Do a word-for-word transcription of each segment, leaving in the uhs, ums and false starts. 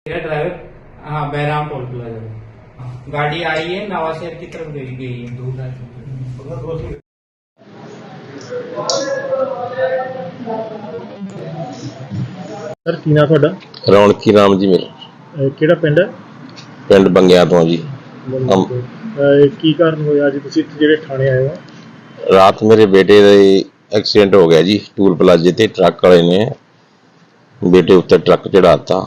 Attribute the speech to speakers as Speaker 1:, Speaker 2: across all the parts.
Speaker 1: Driver हाँ Bahram toll plaza गाड़ी आई है नवाशहर की तरफ गई गई है दो ढाई
Speaker 2: सर की नाम ਤੁਹਾਡਾ
Speaker 3: ਰੌਣਕੀ ਰਾਮ ਜੀ ਮੇਰਾ
Speaker 2: ਅਹ ਕਿਹੜਾ ਪਿੰਡ ਹੈ
Speaker 3: ਪਿੰਡ ਬੰਗਿਆ ਤੋਂ ਜੀ।
Speaker 2: ਅਹ ਕੀ ਕਾਰਨ ਹੋਇਆ ਅੱਜ ਤੁਸੀਂ ਇੱਥੇ ਜਿਹੜੇ ਥਾਣੇ ਆਏ ਹੋ?
Speaker 3: ਰਾਤ ਮੇਰੇ ਬੇਟੇ ਦਾ ਐਕਸੀਡੈਂਟ ਹੋ ਗਿਆ ਜੀ। ਟੂਲ ਪਲਾਜ਼ੇ ਤੇ ਟਰੱਕ ਵਾਲੇ ਨੇ ਬੇਟੇ ਉੱਤੇ ਟਰੱਕ ਚੜਾਤਾ,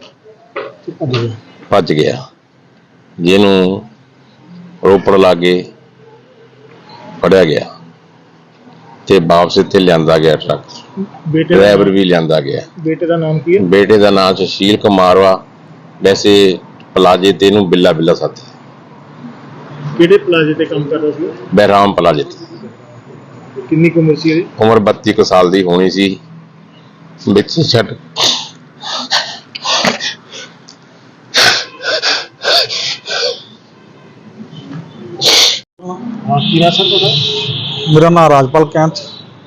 Speaker 3: ਭੱਜ ਗਿਆ, ਜਿਹਨੂੰ ਰੋਪੜ ਲਾਗੇ ਫੜਿਆ ਗਿਆ ਤੇ ਵਾਪਸ ਇੱਥੇ ਲਿਆਂਦਾ ਗਿਆ। ਟਰੱਕ
Speaker 2: ਬੇਟੇ
Speaker 3: ਡਰਾਈਵਰ ਵੀ ਲਿਆਂਦਾ ਗਿਆ।
Speaker 2: ਬੇਟੇ ਦਾ ਨਾਮ ਕੀ ਹੈ?
Speaker 3: ਬੇਟੇ ਦਾ ਨਾਮ ਸੁਸ਼ੀਲ ਕੁਮਾਰ ਵਾ। ਵੈਸੇ ਪਲਾਜ਼ੇ ਤੇ ਇਹਨੂੰ ਬਿੱਲਾ ਬਿੱਲਾ ਸਾਥੀ।
Speaker 2: ਕਿਹੜੇ ਪਲਾਜ਼ੇ ਤੇ ਕੰਮ ਕਰਦਾ ਸੀ?
Speaker 3: ਬਹਿਰਾਮ ਪਲਾਜ਼ੇ ਤੇ।
Speaker 2: ਕਿੰਨੀ ਕੁ ਉਮਰ ਸੀ ਇਹਦੀ?
Speaker 3: ਉਮਰ ਬੱਤੀ ਕੁ ਸਾਲ ਦੀ ਹੋਣੀ ਸੀ। ਵਿੱਚ ਛੱਡ
Speaker 2: ਹਾਂ ਕੀ ਨਾਮ ਸਰ ਤੁਹਾਡਾ?
Speaker 4: मेरा नाम राजपाल कैंथ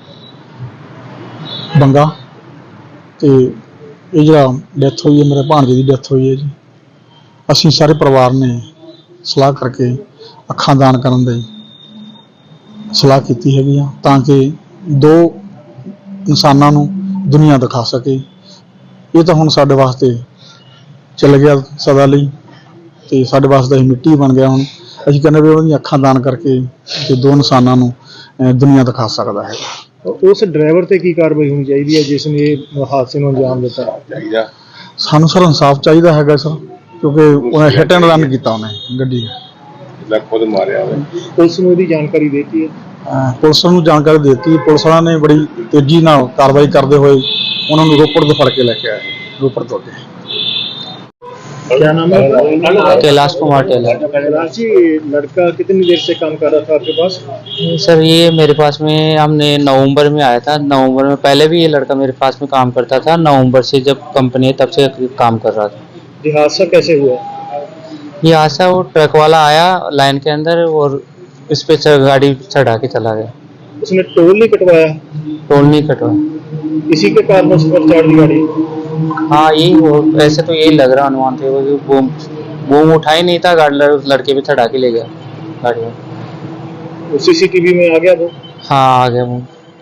Speaker 4: बंगा ਤੇ ਇਹ ਜਿਹੜਾ ਡੈਥ ਹੋਈ ਹੈ ਮੇਰੇ ਭਾਣਜੇ ਦੀ ਡੈਥ ਹੋਈ ਹੈ ਜੀ। ਅਸੀਂ ਸਾਰੇ ਪਰਿਵਾਰ ਨੇ ਸਲਾਹ ਕਰਕੇ ਅੱਖਾਂ ਦਾਨ ਕਰਨ ਦੀ ਸਲਾਹ ਕੀਤੀ ਹੈਗੀ ਆ ਤਾਂ ਕਿ ਦੋ ਇਨਸਾਨਾਂ ਨੂੰ ਦੁਨੀਆ ਦਿਖਾ ਸਕੇ। ਇਹ ਤਾਂ ਹੁਣ ਸਾਡੇ ਵਾਸਤੇ ਚੱਲ ਗਿਆ ਸਦਾ ਲਈ ਤੇ ਸਾਡੇ ਵਾਸਤੇ ਹੀ ਮਿੱਟੀ ਬਣ ਗਿਆ। ਹੁਣ ਅਸੀਂ ਕਹਿੰਦੇ ਵੀ ਉਹਦੀਆਂ ਅੱਖਾਂ ਦਾਨ ਕਰਕੇ ਤੇ ਦੋ ਇਨਸਾਨਾਂ ਨੂੰ ਦੁਨੀਆ ਦਿਖਾ ਸਕਦਾ ਹੈ।
Speaker 2: ਉਸ ਡਰਾਈਵਰ ਤੇ ਕੀ ਕਾਰਵਾਈ ਹੋਣੀ ਚਾਹੀਦੀ ਹੈ ਜਿਸ ਨੇ ਇਹ ਹਾਦਸੇ ਨੂੰ ਅੰਜਾਮ ਦਿੱਤਾ?
Speaker 3: ਚਾਹੀਦਾ
Speaker 4: ਸਾਨੂੰ ਸਰ ਇਨਸਾਫ ਚਾਹੀਦਾ ਹੈਗਾ ਸਰ, ਕਿਉਂਕਿ ਉਹਨੇ ਹਿੱਟ ਐਂਡ ਰਨ ਕੀਤਾ, ਉਹਨੇ ਗੱਡੀ
Speaker 3: ਲੈ ਖੁਦ ਮਾਰਿਆ ਹੋਵੇ।
Speaker 2: ਪੁਲਿਸ ਨੂੰ ਇਹਦੀ ਜਾਣਕਾਰੀ ਦੇ ਦਿੱਤੀ ਹੈ?
Speaker 4: ਅਹ ਪੁਲਿਸ ਨੂੰ ਜਾਣਕਾਰੀ ਦੇ ਦਿੱਤੀ। ਪੁਲਿਸ ਵਾਲਿਆਂ ਨੇ ਬੜੀ ਤੇਜ਼ੀ ਨਾਲ ਕਾਰਵਾਈ ਕਰਦੇ ਹੋਏ ਉਹਨਾਂ ਨੂੰ ਰੋਪੜ ਤੋਂ ਫੜ ਕੇ ਲੈ ਕੇ ਆਏ। ਰੋਪੜ ਤੋਂ ਅੱਗੇ
Speaker 2: क्या नाम है?
Speaker 5: कैलाश कुमार टेलर।
Speaker 2: कैलाश जी, लड़का कितनी देर से काम कर रहा था आपके पास?
Speaker 5: सर ये मेरे पास में हमने नवंबर में आया था। नवंबर में पहले भी ये लड़का मेरे पास में काम करता था। नवंबर से जब कंपनी है तब से काम कर रहा था।
Speaker 2: ये हादसा कैसे हुआ?
Speaker 5: ये हादसा वो ट्रक वाला आया लाइन के अंदर और इस पे गाड़ी चढ़ा के चला गया।
Speaker 2: उसने टोल नहीं कटवाया?
Speaker 5: टोल नहीं कटवाया।
Speaker 2: इसी के कारण उस पर चढ़ दी गाड़ी?
Speaker 5: हाँ यही हो, ऐसे तो यही लग रहा अनुमान थे। वो बूम बूम उठा ही नहीं था, गाड़ी लड़के भी चढ़ा के ले गया गाड़ी में।
Speaker 2: सीसीटीवी में आ गया वो?
Speaker 5: हाँ आ गया वो।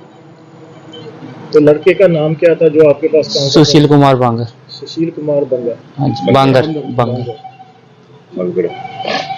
Speaker 2: तो लड़के का नाम क्या था जो आपके पास काम करता था?
Speaker 5: सुशील कुमार बांगर।
Speaker 2: सुशील कुमार बंगा।
Speaker 5: हाँ जी बांगर बांगर।
Speaker 3: ਬੰਗੜ